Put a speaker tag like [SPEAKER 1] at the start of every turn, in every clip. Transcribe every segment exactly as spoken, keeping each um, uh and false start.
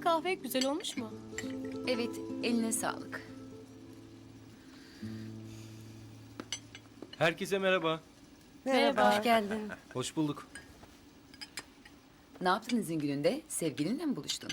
[SPEAKER 1] kahve güzel olmuş mu?
[SPEAKER 2] Evet, eline sağlık.
[SPEAKER 3] Herkese merhaba.
[SPEAKER 1] Merhaba.
[SPEAKER 4] Hoş geldin.
[SPEAKER 3] Hoş bulduk.
[SPEAKER 2] Ne yaptın izin gününde? Sevgilinle mi buluştun?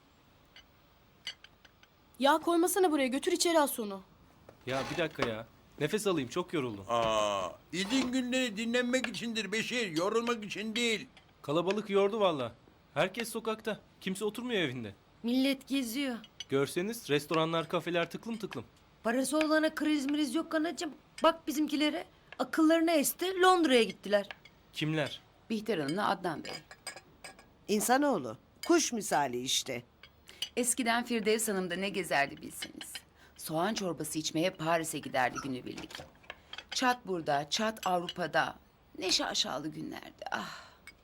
[SPEAKER 1] Ya koymasana buraya, götür içeri az onu.
[SPEAKER 3] Ya bir dakika ya. Nefes alayım, çok yoruldum.
[SPEAKER 5] Aa, izin günleri dinlenmek içindir Beşir, yorulmak için değil.
[SPEAKER 3] Kalabalık yordu valla. Herkes sokakta. Kimse oturmuyor evinde.
[SPEAKER 4] Millet geziyor.
[SPEAKER 3] Görseniz restoranlar, kafeler tıklım tıklım.
[SPEAKER 4] Parası olana kriz mriz yok anacığım. Bak bizimkilere. Akıllarına esti, Londra'ya gittiler.
[SPEAKER 3] Kimler?
[SPEAKER 2] Bihter Hanım'la Adnan Bey.
[SPEAKER 6] İnsanoğlu. Kuş misali işte.
[SPEAKER 2] Eskiden Firdevs Hanım da ne gezerdi bilseniz. Soğan çorbası içmeye Paris'e giderdi günübirlik. Çat burada, çat Avrupa'da. Ne şaşalı günlerdi. Ah.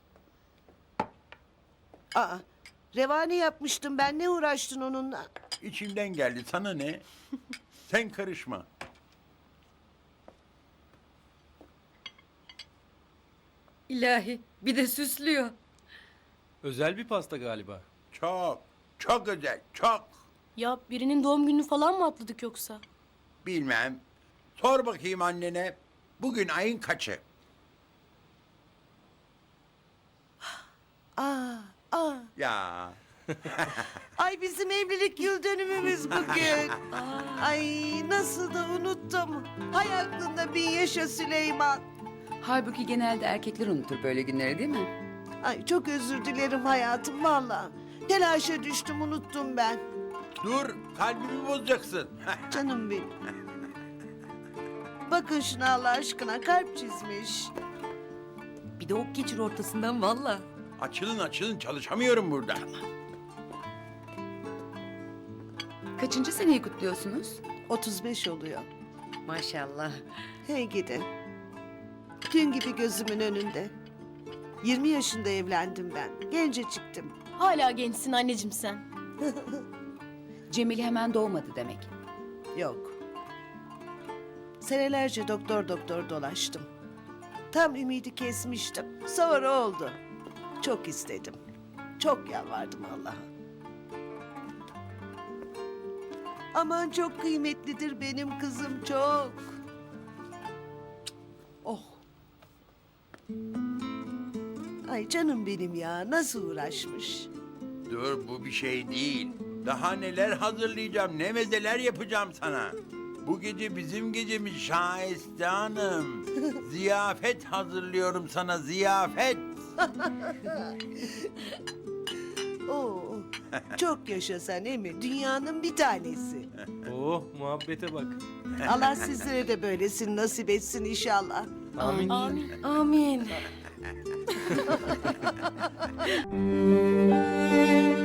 [SPEAKER 6] Aa, revani yapmıştım ben. Ne uğraştın onunla?
[SPEAKER 5] İçimden geldi, sana ne? Sen karışma.
[SPEAKER 4] İlahi, bir de süslüyor.
[SPEAKER 3] Özel bir pasta galiba.
[SPEAKER 5] Çok, çok özel, çok.
[SPEAKER 1] Ya birinin doğum gününü falan mı atladık yoksa?
[SPEAKER 5] Bilmem. Sor bakayım annene. Bugün ayın kaçı?
[SPEAKER 6] Aa, aa.
[SPEAKER 5] Ya,
[SPEAKER 6] Ay bizim evlilik yıl dönümümüz bugün. Ay nasıl da unuttum. Hay aklında bin yaşa Süleyman.
[SPEAKER 2] Halbuki genelde erkekler unutur böyle günleri değil mi?
[SPEAKER 6] Ay çok özür dilerim hayatım valla. Telaşa düştüm unuttum ben.
[SPEAKER 5] dur, kalbimi bozacaksın.
[SPEAKER 6] Canım benim. Bakın şuna Allah aşkına kalp çizmiş.
[SPEAKER 4] Bir de ok geçir ortasından valla.
[SPEAKER 5] Açılın açılın, çalışamıyorum burada.
[SPEAKER 2] Kaçıncı seneyi kutluyorsunuz?
[SPEAKER 6] otuz beş oluyor.
[SPEAKER 4] Maşallah.
[SPEAKER 6] Hey gidi. Gün gibi gözümün önünde. yirmi yaşında evlendim ben. Gence çıktım.
[SPEAKER 1] Hala gençsin anneciğim sen.
[SPEAKER 2] Cemil hemen doğmadı demek.
[SPEAKER 6] Yok. Senelerce doktor doktor dolaştım. Tam ümidi kesmiştim. Sonra oldu. Çok istedim. Çok yalvardım Allah'a. Aman çok kıymetlidir benim kızım çok. Oh. Ay canım benim ya nasıl uğraşmış.
[SPEAKER 5] Dur, bu bir şey değil. Daha neler hazırlayacağım, ne mezeler yapacağım sana. Bu gece bizim gecemiz Şahiste Hanım. Ziyafet hazırlıyorum sana, ziyafet.
[SPEAKER 6] Oo. Çok yaşa sen emi. Dünyanın bir tanesi.
[SPEAKER 3] Oh, muhabbete bak.
[SPEAKER 6] Allah sizlere de böylesini nasip etsin inşallah.
[SPEAKER 3] Amin.
[SPEAKER 1] Amin.
[SPEAKER 4] Amin.